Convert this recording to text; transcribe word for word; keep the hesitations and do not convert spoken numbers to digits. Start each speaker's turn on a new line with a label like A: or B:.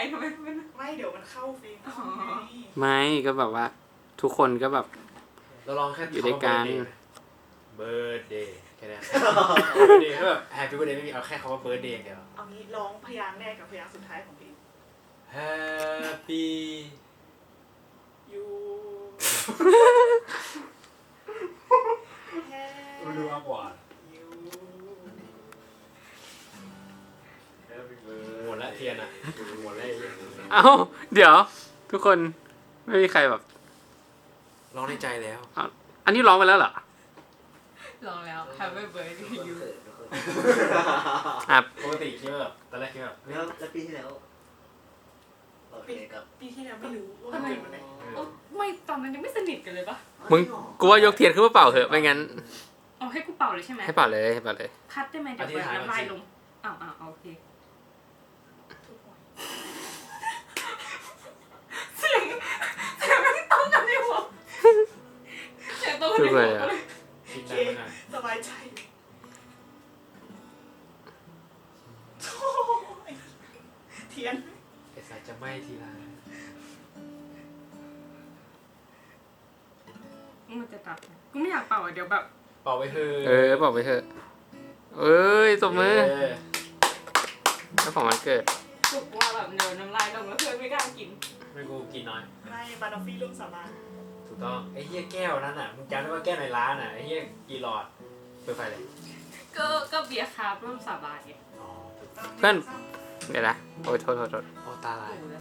A: ทำไมไม่
B: ไม่เดี๋ยวมันเข้าเฟรม
A: อ๋อ
C: ไม่ก็แบบว่า ทุกคนก็แบบ
D: เราลองแค่
C: อยู่ด้วยกัน
D: เบิร์ดเดย์แค่นั้นเบิร์ดเดย์ก็แบบแฮปปี้เบิร์ดเดย์ไม่มีเอาแค่คำว่าเบิร์ดเดย์อย่างเดียว
B: เอางี้ร้องพยางค์แรกกับพยางค์สุดท้ายของเพลง
D: Happy
B: ยู
D: มันดูมากกว่า
B: ยู
D: หมดละเทียนอ่ะหมดละ
C: เอ้าเดี๋ยว ทุกคนไม่มีใครแบบ
D: ร้องในใจแล้ว
C: เอาอันนี้ร้องไปแล้วเหรอ
A: ลองแล้ว Happy birthday you
C: อ่ะ
D: ปกติคิดว่าแบบตอนแรกคิดว่าแบบ
E: แล้วแล้วปีที่แล้วโอเคครับ
B: ปีที่แล้วไม่รู้ว่ามันเกิดวันไหน
A: โอ้ไม่ตอนนั้นยังไม่สนิทกันเลยปะ
C: มึงกูว่ายกเทียนขึ้นมาเป่าเถอะไม่งั้น
A: เอาให้กูเป่าเลยใช่ไหม
C: ให้เป่าเลยให้เป่าเลย
A: คัดได้ไหมเดี๋ยวเปิดน้ำลายลงอ้าวอ้าวโอเคเสียงเสียงไม่ต้องกันดิวะเสียงต้องกันดิวะ
D: คิด
B: โอ
D: ได้
B: เค
D: ไม่นาน
B: สบายใจโถ่เทียน
D: ไอ้สายจะไหม้ทีละ
A: มันจะตัดกูไม่อยากเป่าอ่ะเดี๋ยวแบบ
D: เป่าไปเถอะ
C: เออเป่าไปเถอะเอ้ยตบมือ
D: เออ
C: เจ้าของวันเกิด
A: สุกว่าแบบเดินน้ำลายลงแล้วเพื่อนไม่กล้ากิน
D: ไม่กูกินน้อย
B: ไม่บานอฟฟี่ร่วมสาบาน
D: ถูกต้องไอ้เหี้ยแก้วนั้นอ่ะมึงจำได้ว่าแก้วในร้านอ่ะไอ้เหี้ยกี่หลอดเปิดไฟเลย
A: ก็ก็เบียร์คาร์บร่วมสาบานไง
D: อ๋อถูก
B: ตาม
C: เพื่อน
B: ซ้ำ
C: เดี๋ยวนะโอ้ยโทษโทษโทษ
D: โอ้ตาลาย
A: โอ้โห